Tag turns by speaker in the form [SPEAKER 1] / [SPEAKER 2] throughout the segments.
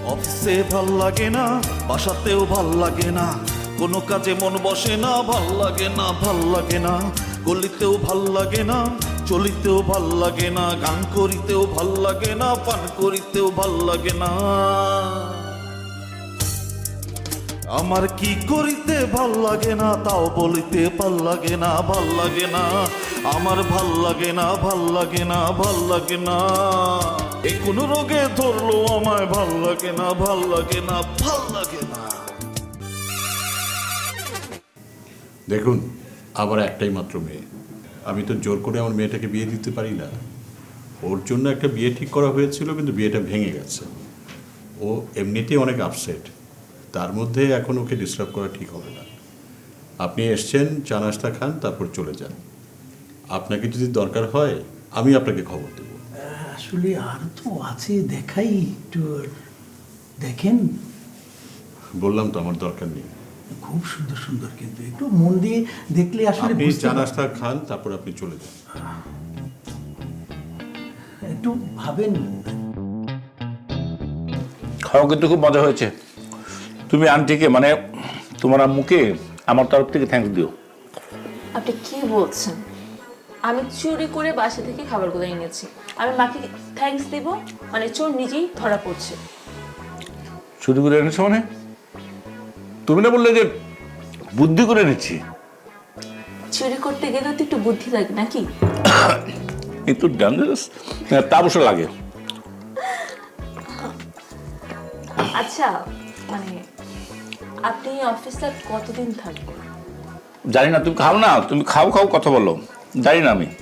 [SPEAKER 1] অফিসে ভাল লাগে না, বাসাতেও ভাল লাগে না, কোনো কাজে মন বসে না, ভাল লাগে না, ভাল লাগে না, গলিতেও ভাল লাগে না, চলিতেও ভাল লাগে না, গান করিতেও ভাল লাগে না, পান করিতেও ভাল লাগে না। আমার কি করিতে ভাল লাগে না, তাও বলিতে ভাল লাগে না, ভাল লাগে না, আমার ভাল লাগে না, ভাল লাগে না, ভাল লাগে না। এ কোন রোগে ধরলো আমায়, ভাল লাগে না, ভাল লাগে না, ভাল লাগে না।
[SPEAKER 2] দেখুন, আমার একটাই মাত্র মেয়ে, আমি তো জোর করে আমার মেয়েটাকে বিয়ে দিতে পারি না। ওর জন্য একটা বিয়ে ঠিক করা হয়েছিল, কিন্তু বিয়েটা ভেঙে গেছে। ও এমনিতেই অনেক আপসেট, তার মধ্যে এখন ওকে ডিস্টার্ব করা ঠিক হবে না। আপনি এসছেন, চা নাস্তা খান, তারপর চলে যান। আপনাকে যদি দরকার হয় আমি আপনাকে খবর দেব।
[SPEAKER 3] আসলে আর তো আছে, দেখাই একটু দেখেন।
[SPEAKER 2] বললাম তো আমার দরকার নেই।
[SPEAKER 3] খুব সুন্দর সুন্দর, কিন্তু একটু মন দিয়ে দেখলে আসলে
[SPEAKER 2] আপনি
[SPEAKER 3] বুঝতে
[SPEAKER 2] চা
[SPEAKER 3] পারবেন।
[SPEAKER 2] নাস্তা খান, তারপর আপনি চলে যান।
[SPEAKER 3] একটু ভাবেন।
[SPEAKER 4] খাওয়া কিন্তু খুব মজা হয়েছে। তুমি আন্টিকে মানে তোমার আম্মুকে আমার তরফ থেকে থ্যাঙ্কস দিও।
[SPEAKER 5] আপনি কি বলছেন? আমি চুরি করে বাসা থেকে খাবারগুলো এনেছি, আমি মাকে থ্যাঙ্কস দিব? মানে চোর নিজেই ধরা পড়ছে।
[SPEAKER 4] চুরি করে এনেছো মানে? তুমি না বললে যে বুদ্ধি করে এনেছি?
[SPEAKER 5] চুরি করতে গেলে তো একটু বুদ্ধি লাগে নাকি?
[SPEAKER 4] একটু ডেঞ্জারাস, তা অবশ্য লাগে।
[SPEAKER 5] আচ্ছা, মানে আপনি অফিসে কতদিন থাকবেন?
[SPEAKER 4] জানি না, তুমি খাও না, তুমি খাও খাও কথা বলো, জানি না আমি।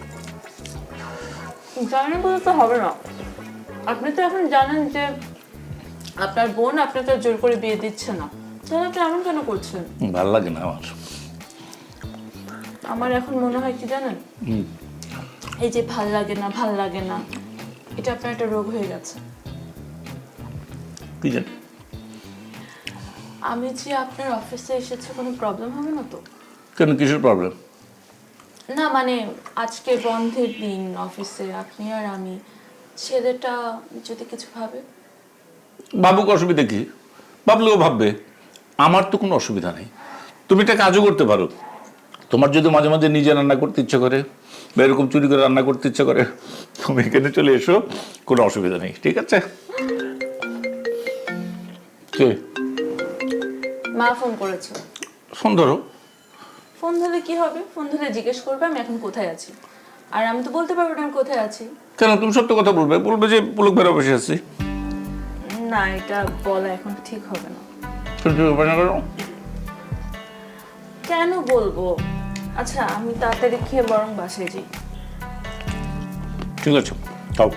[SPEAKER 5] জানেন বলে তো হবে না। আপনি তো এখন জানেন যে আপনার বোন আপনাকে জোর করে বিয়ে দিচ্ছে না, তাহলে আপনি এমন কেন করছেন?
[SPEAKER 4] ভাল লাগে না আমার।
[SPEAKER 5] আমার এখন মনে হয় কি জানেন, এই যে ভাল লাগে না, ভাল লাগে না, এটা আপনার একটা রোগ হয়ে গেছে।
[SPEAKER 4] কি জানি।
[SPEAKER 5] আমি যে আপনার অফিসে এসেছি কোনো প্রবলেম হবে না তো?
[SPEAKER 4] কেন, কিসের প্রবলেম?
[SPEAKER 5] না মানে আজকে বন্ধের দিন অফিসে, আপনি আর আমি, ছেলেটা যদি কিছু ভাবে।
[SPEAKER 4] ভাবুক, অসুবিধা কি? ভাবলেও ভাববে, আমার তো কোনো অসুবিধা নেই। তুমি একটা কাজও করতে পারো। তোমার যদি মাঝে মাঝে নিজে রান্না করতে ইচ্ছে করে বা এরকম চুরি করে রান্না করতে ইচ্ছে করে, তুমি এখানে চলে এসো, কোনো অসুবিধা নেই, ঠিক আছে? কে?
[SPEAKER 5] মা ফোন করেছে।
[SPEAKER 4] ফোন ধরো।
[SPEAKER 5] ফোন ধরলে কি হবে? ফোন ধরলে জিজ্ঞেস করবে আমি এখন কোথায় আছি, আর আমি তো বলতে পারবো না আমি কোথায় আছি।
[SPEAKER 4] কেন, তুমি সত্য কথা বলবে, বলবে যে পুলক বেড়া বসে আছি।
[SPEAKER 5] না, এটা বলা এখন ঠিক হবে না। কেন বলবো? আচ্ছা, আমি তাড়াতাড়ি খেয়ে বরং বাসায় যাই।
[SPEAKER 4] ঠিক আছে, তাও।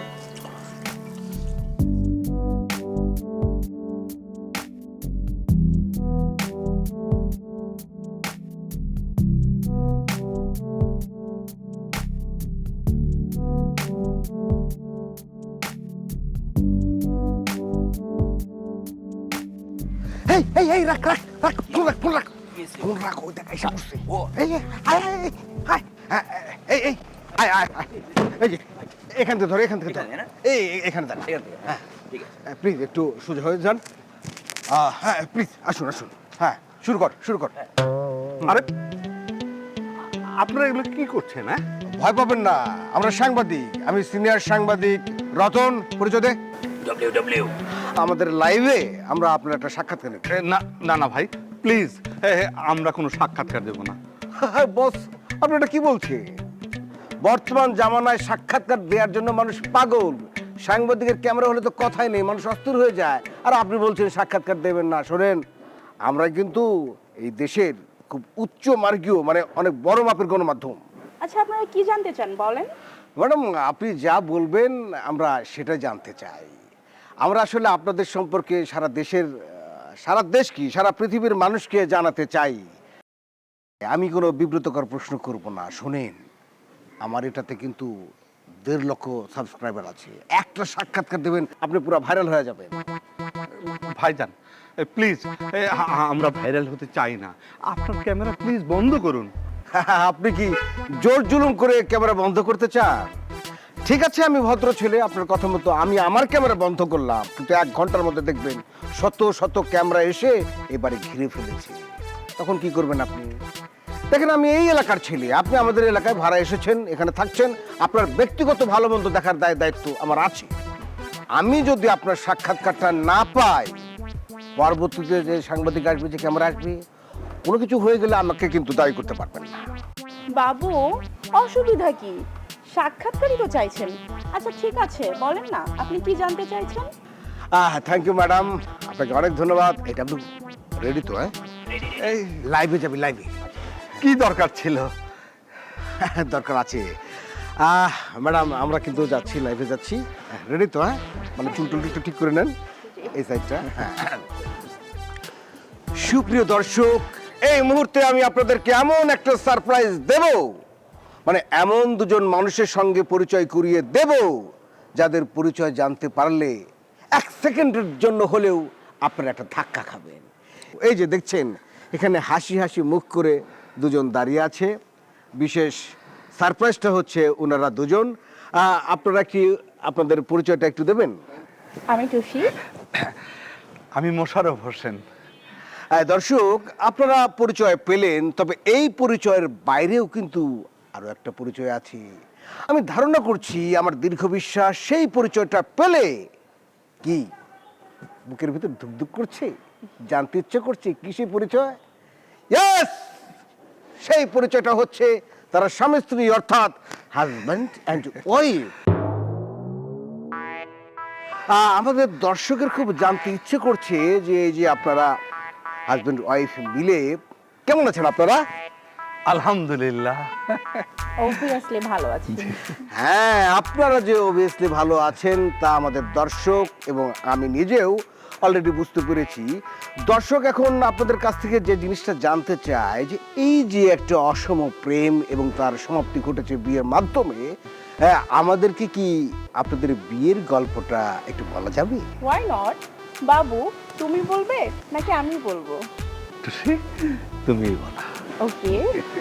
[SPEAKER 6] এই এই এই রাখ রাখ রাখ, ফোন রাখ, ফোন রাখ, ফোন রাখ। ওই দেখ এসে বসছে। এই এই আয় আয় আয় আয়, এই এই আয় আয় আয়, এই যে এখান থেকে ধর, এখান থেকে ধর, এই এখানে দাঁড়া। হ্যাঁ, প্লিজ একটু সোজা হয়ে যান। হ্যাঁ প্লিজ আসুন আসুন। হ্যাঁ, শুরু কর শুরু কর।
[SPEAKER 7] আরে আপনারা এগুলো কি করছেন? হ্যাঁ,
[SPEAKER 6] ভয় পাবেন না, আমরা সাংবাদিক। আমি সিনিয়র সাংবাদিক রতন, পরিচয় দে। আমাদের লাইভে আমরা আপনার একটা সাক্ষাৎকার নেব।
[SPEAKER 7] না না না ভাই, প্লিজ, আমরা কোনো সাক্ষাৎকার দেব না।
[SPEAKER 6] বস, আপনি এটা কি বলছে? বর্তমান জামানায় সাক্ষাৎকার দেওয়ার জন্য মানুষ পাগল। সাংবাদিকের ক্যামেরা হলে তো কথাই নেই, মানুষ অস্থির হয়ে যায়। আর আপনি বলছেন সাক্ষাৎকার দেবেন না? শোনেন, আমরা কিন্তু এই দেশের খুব উচ্চ মার্গীয়, মানে অনেক বড় মাপের গণমাধ্যম।
[SPEAKER 8] আচ্ছা, আপনারা কি জানতে চান বলেন?
[SPEAKER 6] ম্যাডাম, আপনি যা বলবেন আমরা সেটা জানতে চাই। আমরা আসলে আপনাদের সম্পর্কে সারা দেশের, সারা দেশ কি সারা পৃথিবীর মানুষকে জানাতে চাই। আমি কোনো বিব্রতকর প্রশ্ন করব না। শোনেন, আমার এটাতে কিন্তু 1.5 লক্ষ সাবস্ক্রাইবার আছে। একটা সাক্ষাৎকার দেবেন, আপনি পুরো ভাইরাল হয়ে যাবেন।
[SPEAKER 7] ভাইজান প্লিজ, আমরা ভাইরাল হতে চাই না। আপনার ক্যামেরা প্লিজ বন্ধ করুন।
[SPEAKER 6] আপনি কি জোর জুলুম করে ক্যামেরা বন্ধ করতে চান? ঠিক আছে, আমি ভদ্র ছেলে, আপনার কথা মতো আমি আমার ক্যামেরা বন্ধ করলাম, কিন্তু 1 ঘন্টার মধ্যে দেখবেন শত শত ক্যামেরা এসে এবারে ঘিরে ফেলেছে। তখন কি করবেন আপনি? দেখেন, আমি এই এলাকার ছেলে, আপনি আমাদের এলাকায় ভাড়া এসেছেন, এখানে থাকছেন, আপনার ব্যক্তিগত ভালো মন্দ দেখার দায়িত্ব আমার আছে। আমি যদি আপনার সাক্ষাৎকারটা না পাই, পরবর্তীতে যে সাংবাদিক আসবে, যে ক্যামেরা আসবে, কোনো কিছু হয়ে গেলে আমাকে কিন্তু দায়ী করতে পারবেন না।
[SPEAKER 8] বাবু, অসুবিধা কি? সাক্ষাৎকারই তো চাইছেন। আচ্ছা ঠিক আছে, বলেন না আপনি কি জানতে চাইছেন?
[SPEAKER 6] থ্যাংক ইউ ম্যাডাম, আপনাকে অনেক ধন্যবাদ। এটা আপনি রেডি তো? হ্যাঁ,
[SPEAKER 7] এই
[SPEAKER 6] লাইভে যাবি, লাইভে।
[SPEAKER 7] কি দরকার ছিল?
[SPEAKER 6] দরকার আছে। ম্যাডাম, আমরা কিন্তু যাচ্ছি, লাইভে যাচ্ছি। রেডি তো? হ্যাঁ, মানে চুল টুল একটু ঠিক করে নেন, এই সাইডটা। সুপ্রিয় দর্শক, এই মুহূর্তে আমি আপনাদেরকে এমন একটা সারপ্রাইজ দেব, মানে এমন দুজন মানুষের সঙ্গে পরিচয় করিয়ে দেব যাদের পরিচয় জানতে পারলে 1 সেকেন্ডের জন্য হলেও আপনারা একটা ধাক্কা খাবেন। এই যে দেখছেন, এখানে হাসি হাসি মুখ করে দুজন দাঁড়িয়ে আছে। বিশেষ সারপ্রাইজটা হচ্ছে ওনারা দুজন। আপনারা কি আপনাদের পরিচয়টা একটু দেবেন?
[SPEAKER 8] আমি টুসি।
[SPEAKER 7] আমি মোশাররফ হোসেন।
[SPEAKER 6] দর্শক, আপনারা পরিচয় পেলেন, তবে এই পরিচয়ের বাইরেও কিন্তু আরো একটা পরিচয় আছে। আমি ধারণা করছি, আমার দীর্ঘ বিশ্বাস, সেই পরিচয়টা পেলে কি বুকের ভিতর ধুকধুক করছে, জানতে ইচ্ছে করছে কি সেই পরিচয়? ইয়েস, সেই পরিচয়টা হচ্ছে তারা স্বামী স্ত্রী, অর্থাৎ হাজব্যান্ড অ্যান্ড ওয়াইফ। আমাদের দর্শকের খুব জানতে ইচ্ছে করছে যে এই যে আপনারা হাজব্যান্ড ওয়াইফ মিলে কেমন আছেন আপনারা?
[SPEAKER 7] আলহামদুলিল্লাহ।
[SPEAKER 8] অবভিয়াসলি ভালো আছি।
[SPEAKER 6] হ্যাঁ, আপনারা যে অবভিয়াসলি ভালো আছেন তা আমাদের দর্শক এবং আমি নিজেও অলরেডি বুঝতে পেরেছি। দর্শক এখন আপনাদের কাছ থেকে যে জিনিসটা জানতে চায়, যে এই যে একটা অসম প্রেম এবং তার সমাপ্তি ঘটেছে বিয়ের মাধ্যমে, হ্যাঁ, আমাদেরকে কি আপনাদের বিয়ের গল্পটা একটু বলা যাবে?
[SPEAKER 8] Why not? বাবু, তুমি বলবে নাকি আমি বলবো?
[SPEAKER 7] টুসি, তুমিই বলো।
[SPEAKER 8] ওকে।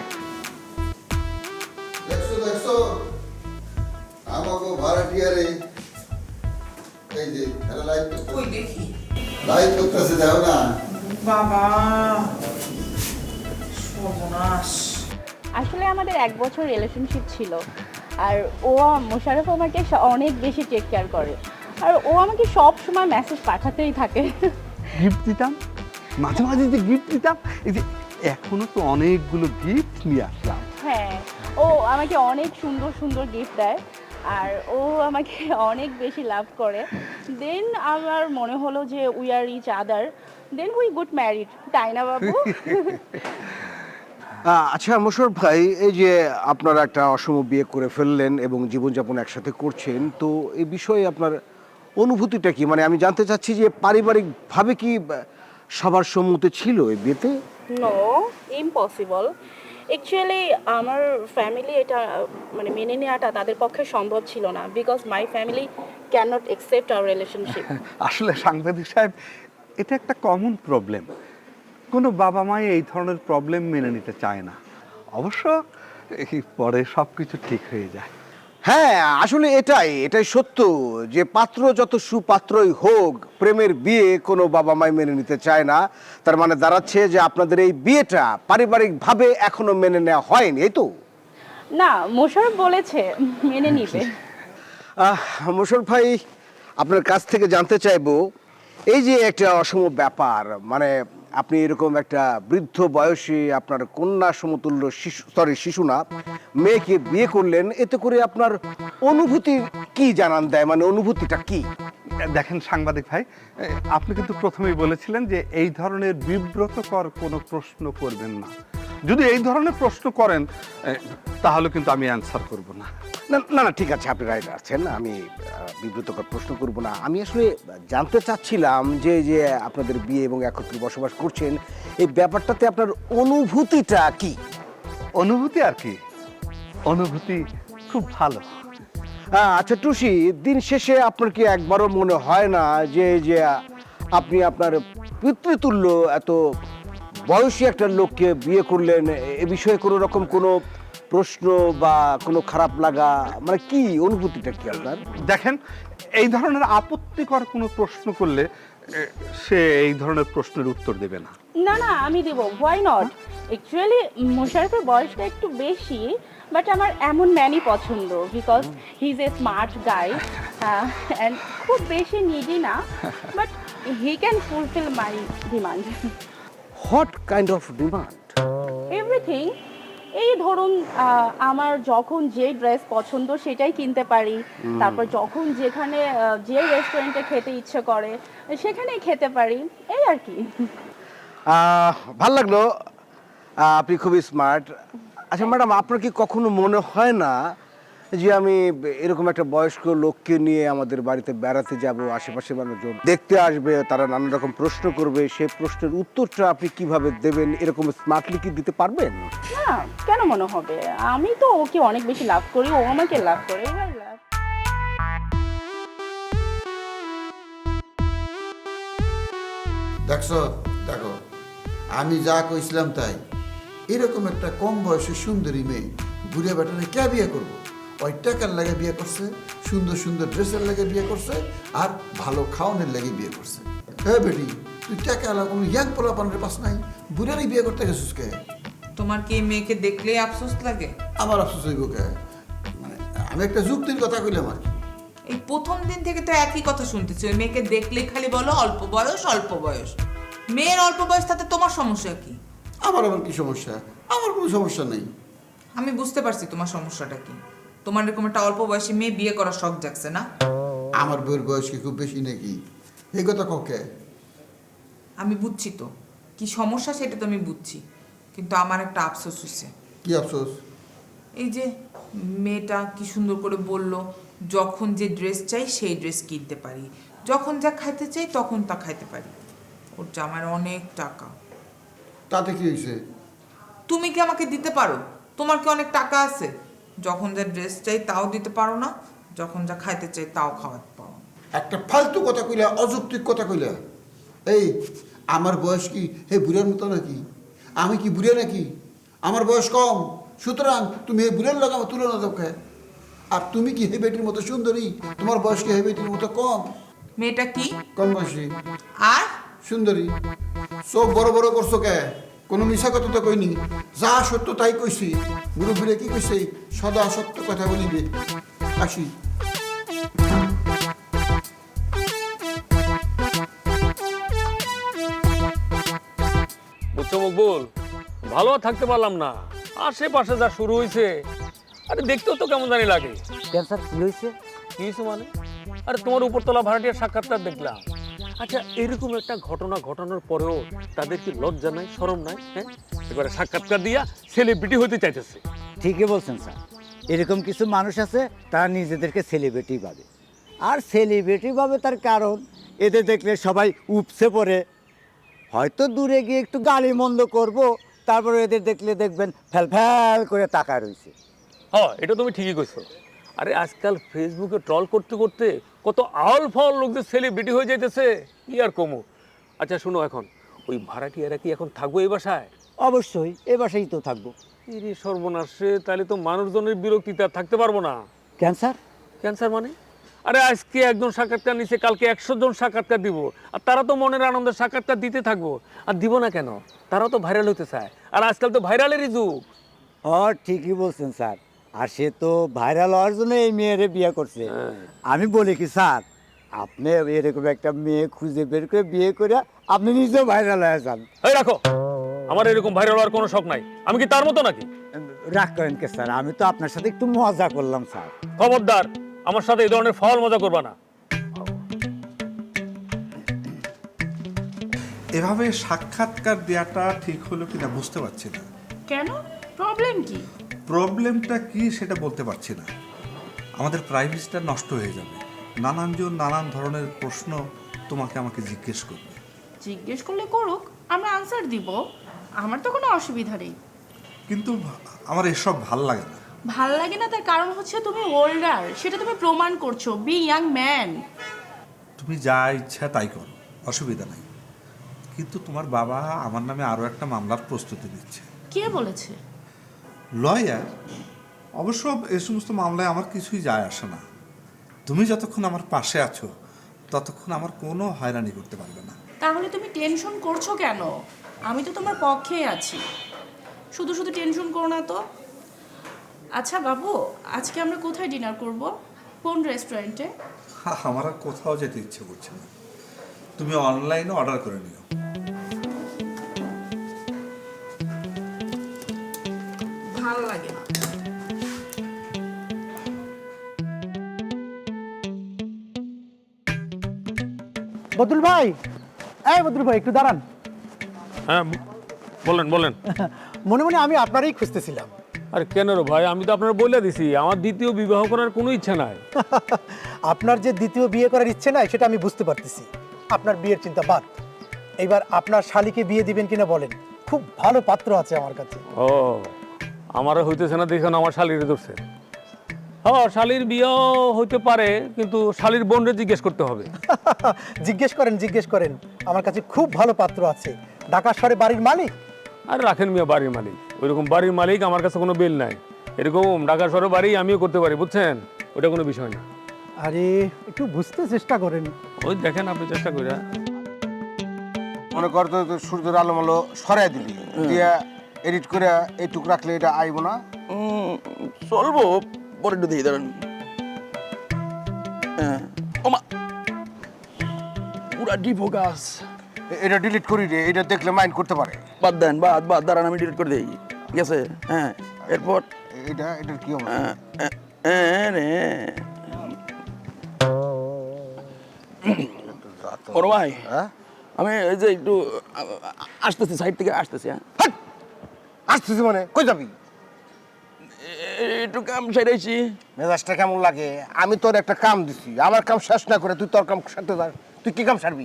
[SPEAKER 9] দেখছো আমাকে ভাড়াটিয়ারে এই যে এরা লাইভ
[SPEAKER 10] ওই দেখি
[SPEAKER 9] লাইভ করতেছে, দেখো না?
[SPEAKER 10] বাবা সর্বনাশ।
[SPEAKER 8] আসলে আমাদের 1 বছর রিলেশনশিপ ছিল, আর ও মোশাররফ আমাকে অনেক বেশি টেক কেয়ার করে, আর ও আমাকে সব সময় মেসেজ পাঠাতেই থাকে।
[SPEAKER 7] গিফট দিতাম, মাঝে মাঝে যে গিফট দিতাম, এই যে এখনো তো অনেকগুলো গিফট নিয়ে আসলাম।
[SPEAKER 8] হ্যাঁ, ও আমাকে অনেক সুন্দর সুন্দর গিফট দেয়, আর ও আমাকে অনেক বেশি লাভ করে। দেন আমার মনে হলো যে we are each other, then we got married, তাই না বাবু?
[SPEAKER 6] আচ্ছা মোশাররফ ভাই, এই যে আপনারা একটা অসম বিয়ে করে ফেললেন এবং জীবনযাপন একসাথে করছেন, তো এই বিষয়ে আপনার অনুভূতিটা কি? মানে আমি জানতে চাচ্ছি যে পারিবারিকভাবে কি সবার সম্মতি ছিল এই বিয়েতে?
[SPEAKER 8] No, impossible. অ্যাকচুয়ালি আমার ফ্যামিলি এটা মানে মেনে নেওয়াটা তাদের পক্ষে সম্ভব ছিল না, because my family can not accept our relationship.
[SPEAKER 7] আসলে সাংবাদিক সাহেব, এটা একটা কমন প্রবলেম। কোনো বাবা মাই এই ধরনের প্রবলেম মেনে নিতে চায় না। অবশ্য পরে সব কিছু ঠিক হয়ে যায়।
[SPEAKER 6] হ্যাঁ, আসলে এটাই সত্য যে পাত্র যত সুপাত্রই হোক, প্রেমের বিয়ে কোনো বাবা মাই মেনে নিতে চায় না। তার মানে দাঁড়াচ্ছে যে আপনাদের এই বিয়েটা পারিবারিকভাবে এখনো মেনে নেওয়া হয়নি, এই তো?
[SPEAKER 8] না, মোশাররফ বলেছে মেনে নিবে।
[SPEAKER 6] মোশাররফ ভাই, আপনার কাছ থেকে জানতে চাইবো, এই যে একটা অসম ব্যাপার, মানে আপনি এরকম একটা বৃদ্ধ বয়সে আপনার কন্যা সমতুল্য শিশু না, মেয়েকে বিয়ে করলেন, এতে করে আপনার অনুভূতি কি জানান দেয়? মানে অনুভূতিটা কি?
[SPEAKER 7] দেখেন সাংবাদিক ভাই, আপনি কিন্তু প্রথমেই বলেছিলেন যে এই ধরনের বিব্রতকর কোনো প্রশ্ন করবেন না। যদি এই ধরনের প্রশ্ন করেন তাহলে কিন্তু আমি অ্যানসার করব না।
[SPEAKER 6] না না না, ঠিক আছে, আপনি রাইট আছেন, আমি বিব্রতকর প্রশ্ন করব না। আমি আসলে জানতে চাচ্ছিলাম যে যে আপনাদের বিয়ে এবং একত্রে বসবাস করছেন, এই ব্যাপারটাতে আপনার অনুভূতিটা কি?
[SPEAKER 7] অনুভূতি আর কি, অনুভূতি খুব ভালো।
[SPEAKER 6] আচ্ছা টুসি, দিন শেষে আপনার কি একবারও মনে হয় না যে যে আপনি আপনার পিতৃতুল্য এত বয়সী একটা লোককে বিয়ে করলেন, এ বিষয়ে কোনো রকম কোনো প্রশ্ন বা কোনো খারাপ লাগা, মানে কি অনুভূতিটা কি আপনার?
[SPEAKER 7] দেখেন, এই ধরনের আপত্তিকর কোনো প্রশ্ন করলে সে এই ধরনের প্রশ্নের উত্তর দেবে না।
[SPEAKER 8] না না, আমি দেব, হোয়াই নট। অ্যাকচুয়ালি মোশাররফের বয়সটা একটু বেশি, বাট আমার এমন ম্যানই পছন্দ, because he is a smart guy and খুব বেশি নিডি না, but he can fulfill my demand.
[SPEAKER 6] What kind of demand?
[SPEAKER 8] Everything. এই ধরুন আমার যখন যে ড্রেস পছন্দ সেটাই কিনতে পারি, তারপর যখন যেখানে যে রেস্টুরেন্টে খেতে ইচ্ছে করে সেখানেই খেতে পারি, এই আর কি।
[SPEAKER 6] ভাল লাগলো, আপনি খুবই স্মার্ট। আচ্ছা ম্যাডাম, আপনার কি কখনো মনে হয় না যে আমি এরকম একটা বয়স্ক লোককে নিয়ে আমাদের বাড়িতে বেড়াতে যাব, আশেপাশে মানুষজন দেখতে আসবে, তারা নানা রকম প্রশ্ন করবে, সেই প্রশ্নের উত্তরটা আপনি কিভাবে দেবেন, এরকম স্মার্টলি কি দিতে পারবেন?
[SPEAKER 8] না, কেন মনে হবে? আমি তো ওকে অনেক বেশি লাভ করি, ও আমাকে লাভ করে, এবার লাভ।
[SPEAKER 9] দেখছো, দেখো আমি যা কইছিলাম তাই। এরকম একটা কম বয়সের সুন্দরী মেয়ে বুড়িয়া বেটারে কে বিয়ে করবো? ওই টাকার লাগে বিয়ে করছে, সুন্দর সুন্দর ড্রেসের লাগে বিয়ে করছে, আর ভালো খাওয়ানোর লাগে বিয়ে করছে। হ্যাঁ বেটি, তুই টাকা আলা কোনো ইয়াং পোলাপানের পাস নাই, বুড়ারই বিয়ে করতে গেছিস কে?
[SPEAKER 10] তোমার কি এই মেয়েকে দেখলেই আফসোস লাগে?
[SPEAKER 9] আমার আফসোস হইব কে? মানে আমি একটা যুক্তির কথা কইলাম আর কি।
[SPEAKER 10] এই প্রথম দিন থেকে তো একই কথা শুনতেছি, ওই মেয়েকে দেখলেই খালি বলো অল্প বয়স অল্প বয়স। মেয়ের অল্প বয়স, তাতে তোমার সমস্যা কি?
[SPEAKER 9] আমার আবার কি সমস্যা? আমার কোনো সমস্যা নেই।
[SPEAKER 10] আমি বুঝতে পারছি তোমার সমস্যাটা কি। তোমার এরকম একটা অল্প বয়সী মেয়ে বিয়ে করার শখ জাগছে না?
[SPEAKER 9] আমার বউয়ের বয়স কি খুব বেশি নাকি? এই কথা ককে?
[SPEAKER 10] আমি বুঝছি তো কি সমস্যা, সেটা তো আমি বুঝছি, কিন্তু আমার একটা আফসোস হচ্ছে।
[SPEAKER 9] কি আফসোস?
[SPEAKER 10] এই যে মেয়েটা কি সুন্দর করে বলল, যখন যে ড্রেস চাই সেই ড্রেস কিনতে পারি, যখন যা খাইতে চাই তখন তা খাইতে পারি। ওর জামার অনেক টাকা।
[SPEAKER 9] তাতে কি হয়েছে?
[SPEAKER 10] তুমি কি আমাকে দিতে পারো? তোমার কি অনেক টাকা আছে? যখন যা ড্রেস চাই তাও দিতে পারো না, যখন যা খাইতে চাই তাও খাওয়াতে পারো না।
[SPEAKER 9] একটা ফালতু কথা কইলা, অযৌক্তিক কথা কইলা। এই আমার বয়স কি হে বুড়ার মতো নাকি? আমি কি বুড়া নাকি? আমার বয়স কম, সুতরাং তুমি হে বুড়ার লগে আমার তুলনা দাও কে? আর তুমি কি হে বেটির মতো সুন্দরী? তোমার বয়স কি হে বেটির মতো কম?
[SPEAKER 10] মেয়েটা কি
[SPEAKER 9] কম বয়সী
[SPEAKER 10] আর
[SPEAKER 9] সুন্দরী। চোখ বড় বড় করছো কে? কোনো মিশা কথা তো কইনি, যা সত্য তাই কইছি। মুরব্বীরা কি কইছে? সদা সত্য কথা বলিবে। আসি।
[SPEAKER 11] বুঝছো মকবুল, ভালো আর থাকতে পারলাম না। আশেপাশে যা শুরু হয়েছে, আরে দেখতেও তো কেমন জানি লাগে।
[SPEAKER 3] ক্যান্সার কি হয়েছে?
[SPEAKER 11] কি হয়েছে মানে? আরে তোমার উপরতলা ভাড়াটিয়ার সাক্ষাৎকার দেখলাম। আচ্ছা, এরকম একটা ঘটনা ঘটানোর পরেও তাদের কি লজ্জা নাই, শরম নাই? হ্যাঁ, এবারে সাক্ষাৎকার দিয়া সেলিব্রিটি হতে চাইতেছে।
[SPEAKER 3] ঠিকই বলছেন স্যার, এরকম কিছু মানুষ আছে তারা নিজেদেরকে সেলিব্রিটি ভাবে। আর সেলিব্রিটি ভাবে তার কারণ এদের দেখলে সবাই উপসে পড়ে, হয়তো দূরে গিয়ে একটু গালি মন্দ করবো, তারপরে এদের দেখলে দেখবেন ফ্যাল ফ্যাল করে তাকায় রয়েছে।
[SPEAKER 11] হ্যাঁ, এটা তুমি ঠিকই কইছো। আরে আজকাল ফেসবুকে ট্রল করতে করতে কত আউল ফাউল লোকদের সেলিব্রিটি হয়ে যাইতেছে, কি আর কমু। আচ্ছা শুনো, এখন ওই ভাড়াটিয়ারা কি এখন থাকবো এই বাসায়?
[SPEAKER 3] অবশ্যই এ বাসায় তো থাকবো।
[SPEAKER 11] ইরে সর্বনাশে, তাহলে তো মানুষজনের বিরক্তিতে আর থাকতে পারবো না।
[SPEAKER 3] ক্যান্সার?
[SPEAKER 11] ক্যান্সার মানে? আরে আজকে একজন সাক্ষাৎকার নিচ্ছে, কালকে 100 জন সাক্ষাৎকার দিব, আর তারা তো মনের আনন্দে সাক্ষাৎকার দিতে থাকবো। আর দিব না কেন? তারাও তো ভাইরাল হতে চায়, আর আজকাল তো ভাইরালেরই যুগ।
[SPEAKER 3] ঠিকই বলছেন স্যার, আর সে তো ভাইরাল হওয়ার জন্য এই মেয়েরে বিয়ে করছে। আমি বলি কি স্যার, আপনি এরকম একটা মেয়ে খুঁজে বের করে বিয়ে করে আপনি নিজেও ভাইরাল হয়ে যান।
[SPEAKER 11] এই রাখো, আমার এরকম ভাইরাল হওয়ার কোনো শখ নাই। আমি কি তার মতো নাকি?
[SPEAKER 3] রাগ করেন কে স্যার, আমি তো আপনার সাথে একটু মজা করলাম স্যার।
[SPEAKER 11] খবরদার, আমার সাথে এই ধরনের ফাউল মজা করবা না।
[SPEAKER 7] এভাবে সাক্ষাৎকার দেওয়াটা ঠিক হলো কিনা বুঝতে পারছি না।
[SPEAKER 8] কেন? প্রবলেম কি?
[SPEAKER 7] প্রবলেমটা কি সেটা বলতে পারছি না। আমাদের প্রাইভেসিটা নষ্ট হয়ে যাবে। নানানজন নানান ধরনের প্রশ্ন তোমাকে আমাকে জিজ্ঞেস করবে।
[SPEAKER 8] জিজ্ঞেস করলে করুক, আমরা আনসার দিব, আমার তো কোনো অসুবিধা নেই।
[SPEAKER 7] কিন্তু আমার এসব ভাল লাগে না।
[SPEAKER 8] ভাল লাগে না তার কারণ হচ্ছে তুমি ওল্ডার, সেটা তুমি প্রমাণ করছো। Be young man.
[SPEAKER 7] তুমি যা ইচ্ছা তাই করো, অসুবিধা নাই। কিন্তু তোমার বাবা আমার নামে আরও একটা মামলার প্রস্তুতি নিচ্ছে।
[SPEAKER 8] কে বলেছে?
[SPEAKER 12] লয়ার? অবশ্য এই সমস্ত মামলায় আমার কিছুই যায় আসে না। তুমি যতক্ষণ আমার পাশে আছো ততক্ষণ আমার কোনো হয়রানি করতে পারবে না।
[SPEAKER 8] তাহলে তুমি টেনশন করছো কেন? আমি তো তোমার পক্ষেই আছি, শুধু শুধু টেনশন করো না তো। আচ্ছা বাবু, আজকে আমরা কোথায় ডিনার করব? কোন রেস্টুরেন্টে?
[SPEAKER 12] আমার আর কোথাও যেতে ইচ্ছে করছে না, তুমি অনলাইনে অর্ডার করে নিও।
[SPEAKER 8] ভালো লাগে না।
[SPEAKER 13] বদরুল ভাই, এই বদরুল ভাই একটু দাঁড়ান।
[SPEAKER 11] হ্যাঁ বলেন বলেন।
[SPEAKER 13] মনে মনে আমি আপনারই খুঁজতেছিলাম।
[SPEAKER 11] আরে কেন রে ভাই, আমি তো আপনার বলে দিছি আমার দ্বিতীয় বিবাহ করার কোনো ইচ্ছা নাই।
[SPEAKER 13] আপনার যে দ্বিতীয় বিয়ে করার ইচ্ছে নাই সেটা আমি বুঝতে পারতেছি। আপনার বিয়ের চিন্তা বাদ, এইবার আপনার শালিকে বিয়ে দিবেন কিনা বলেন। খুব ভালো পাত্র আছে আমার কাছে।
[SPEAKER 11] ও আমারও হইতেছে না দেখুন, আমার শালির ধরছে। হ্যাঁ শালির বিয়ে হইতে পারে, কিন্তু শালির বোনরে জিজ্ঞেস করতে হবে।
[SPEAKER 13] জিজ্ঞেস করেন, জিজ্ঞেস করেন, আমার কাছে খুব ভালো পাত্র আছে। ঢাকা শহরে বাড়ির মালিক।
[SPEAKER 11] আর রাখেন মিয়া বাড়ির মালিক, ওইরকম বাড়ির মালিক আমার কাছে কোনো বিল নাই। এরকম ঢাকা শহরে বাড়ি আমিও করতে পারি, বুঝছেন? ওটা কোনো বিষয় না।
[SPEAKER 13] আরে একটু বুঝতে চেষ্টা করেন।
[SPEAKER 11] ওই দেখেন আপনি চেষ্টা করে।
[SPEAKER 6] মনে কর তো সূর্যের আলো মালো সরাই দিলি, দিয়া এডিট করে এইটুক রাখলে এটা আইব না?
[SPEAKER 14] চলবো, পরে একটু দিয়ে দাঁড়ান। ওমা পুরা ডিফোকাস।
[SPEAKER 6] এটা ডিলিট করি রে, এটা দেখলে মাইন্ড করতে পারে।
[SPEAKER 14] বাদ দেন, বাদ বাদ, দাঁড়ান আমি ডিলিট করে দিই। ঠিক আছে? হ্যাঁ এরপর
[SPEAKER 6] এটার কি হবে?
[SPEAKER 14] বড় ভাই, আমি এই যে একটু আসতেছি, সাইড থেকে আসতেছি। হ্যাঁ
[SPEAKER 6] আসতেছি মানে কই যাবি?
[SPEAKER 14] একটু কাম সেরেছি।
[SPEAKER 6] মেজাজটা কেমন লাগে? আমি তোর একটা কাম দিছি, আমার কাম শেষ না করে তুই তোর কাম সারতে যাস। তুই কি কাম সারবি?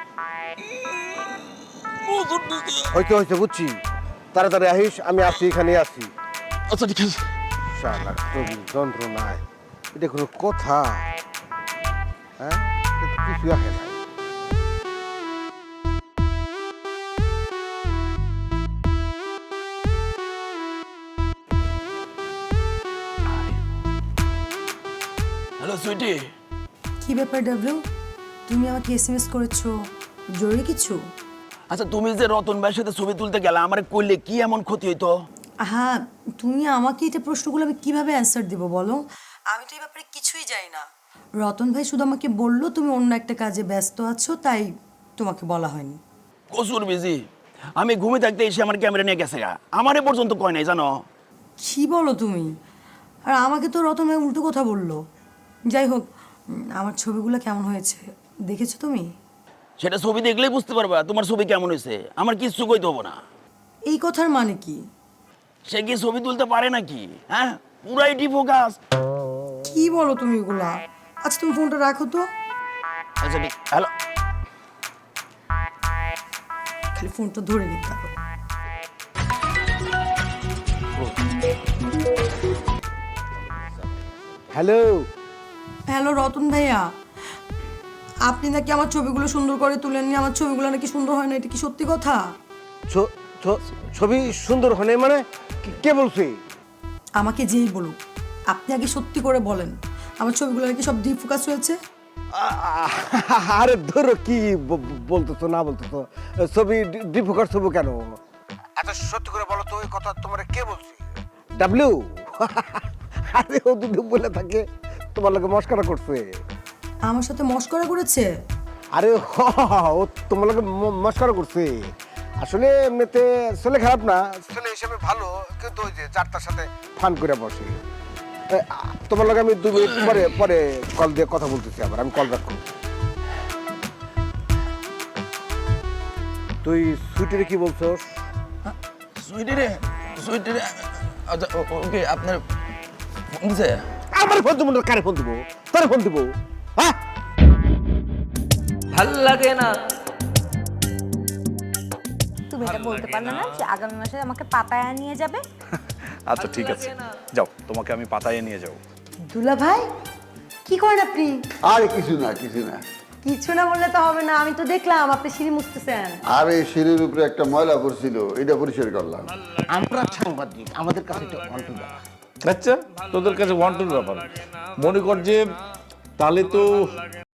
[SPEAKER 6] হইতে হইতে বুঝছি, তাড়াতাড়ি আহিস, আমি আছি, এখানে আছি।
[SPEAKER 14] আচ্ছা ঠিক আছে।
[SPEAKER 6] শালা তোর যন্ত্রণায় এটা কোনো কথা? হ্যাঁ কিছু আসে না।
[SPEAKER 14] Hello sweetie.
[SPEAKER 15] কি ব্যাপার ডাবলু, তুমি আমাকে এসএমএস করেছো? জরুরি কিছু?
[SPEAKER 14] আচ্ছা তুমি যে রতন ভাইয়ের সাথে ছবি তুলতে গেলে, আমার করলে কি এমন ক্ষতি হইতো?
[SPEAKER 15] হ্যাঁ, তুমি আমাকে এটা প্রশ্নগুলো আমি কিভাবে অ্যান্সার দেবো বলো? আমি তো এই ব্যাপারে কিছুই জানি না। রতন ভাই শুধু আমাকে বললো তুমি অন্য একটা কাজে ব্যস্ত আছো, তাই তোমাকে বলা হয়নি।
[SPEAKER 14] কসুর বিজি, আমি ঘুমে থাকতে এসে আমার ক্যামেরা নিয়ে গেছে, আমারে পর্যন্ত কয় নাই জানো।
[SPEAKER 15] কি বলো তুমি? আর আমাকে তো রতন ভাই উল্টো কথা বললো। যাই হোক, আমার ছবিগুলো কেমন হয়েছে দেখেছো তুমি?
[SPEAKER 14] সেটা ছবি দেখলেই বুঝতে পারবা তোমার ছবি কেমন হয়েছে, আমার কিচ্ছু কইতে হবো না।
[SPEAKER 15] এই কথার মানে কি?
[SPEAKER 14] সে কি ছবি তুলতে পারে নাকি? হ্যাঁ পুরাই ডিফোকাস।
[SPEAKER 15] কি বলো তুমি এগুলা? আচ্ছা তুমি ফোনটা রাখো তো।
[SPEAKER 14] আচ্ছা ঠিক। হ্যালো,
[SPEAKER 15] খালি ফোনটা ধরে নিতে হবে।
[SPEAKER 6] হ্যালো
[SPEAKER 15] হ্যালো রতন ভাইয়া, আপনি নাকি আমার ছবিগুলো সুন্দর করে তুলেননি, আমার ছবিগুলো নাকি সুন্দর হয় না, এটা কি সত্যি কথা?
[SPEAKER 6] ছবি সুন্দর হলে মানে কে বলছে?
[SPEAKER 15] আমাকে যেই বলুক, আপনি আগে সত্যি করে বলেন, আমার ছবিগুলো নাকি সব ডিপ ফোকাস হয়েছে।
[SPEAKER 6] আরে ধরো কি বলতেছো না বলতেছো, ছবি ডিফোকাস হবো কেন? এত সত্যি করে বলো তো, ওই কথা তোমার কে বলছে? ডাবলু? আরে ও দুটো বলে থাকে, তোমার লোকে মস্করা করছে।
[SPEAKER 15] আমার সাথে মস্করা করেছে?
[SPEAKER 6] আরে ও তোমার লোকে মস্করা করছে। আসলে এমনিতে ছেলে খারাপ না, ছেলে হিসেবে ভালো, কিন্তু ওই যে যারটার সাথে ফান করে বসে। তোমার লোকে আমি 2 মিনিট পরে কল দিয়ে কথা বলতেছি, আবার আমি কল ব্যাক করব। তুই সুইটিরে কি বলছস?
[SPEAKER 14] সুইটি রে, সুইটি রে। আচ্ছা ওকে, আপনার ফোন দিছে?
[SPEAKER 6] আমার ফোন দেবো না, কারে ফোন দেবো? তারে ফোন দেবো? হ্যাঁ
[SPEAKER 5] ভাল লাগে না।
[SPEAKER 16] তুমি এটা বলতে পারলে না যে আগামী মাসে আমাকে পাতায়া নিয়ে যাবে?
[SPEAKER 17] আচ্ছা ঠিক আছে, যাও, তোমাকে আমি পাতায়ে নিয়ে যাবো।
[SPEAKER 15] দুলা ভাই কি করেন আপনি?
[SPEAKER 9] আরে কিছু না, কিছু না।
[SPEAKER 15] কিছু না বললে তো হবে না, আমি তো দেখলাম আপনি সিঁড়ি মুছতেছেন।
[SPEAKER 9] আর এই সিঁড়ির উপরে একটা ময়লা পড়ছিল, এটা পরিষ্কার করলাম।
[SPEAKER 6] আমরা সাংবাদিক, আমাদের কাছে এটা অন্টু ব্যাপার।
[SPEAKER 4] আচ্ছা তোদের কাছে ওয়ান টুর ব্যাপার মনে কর যে তাহলে তো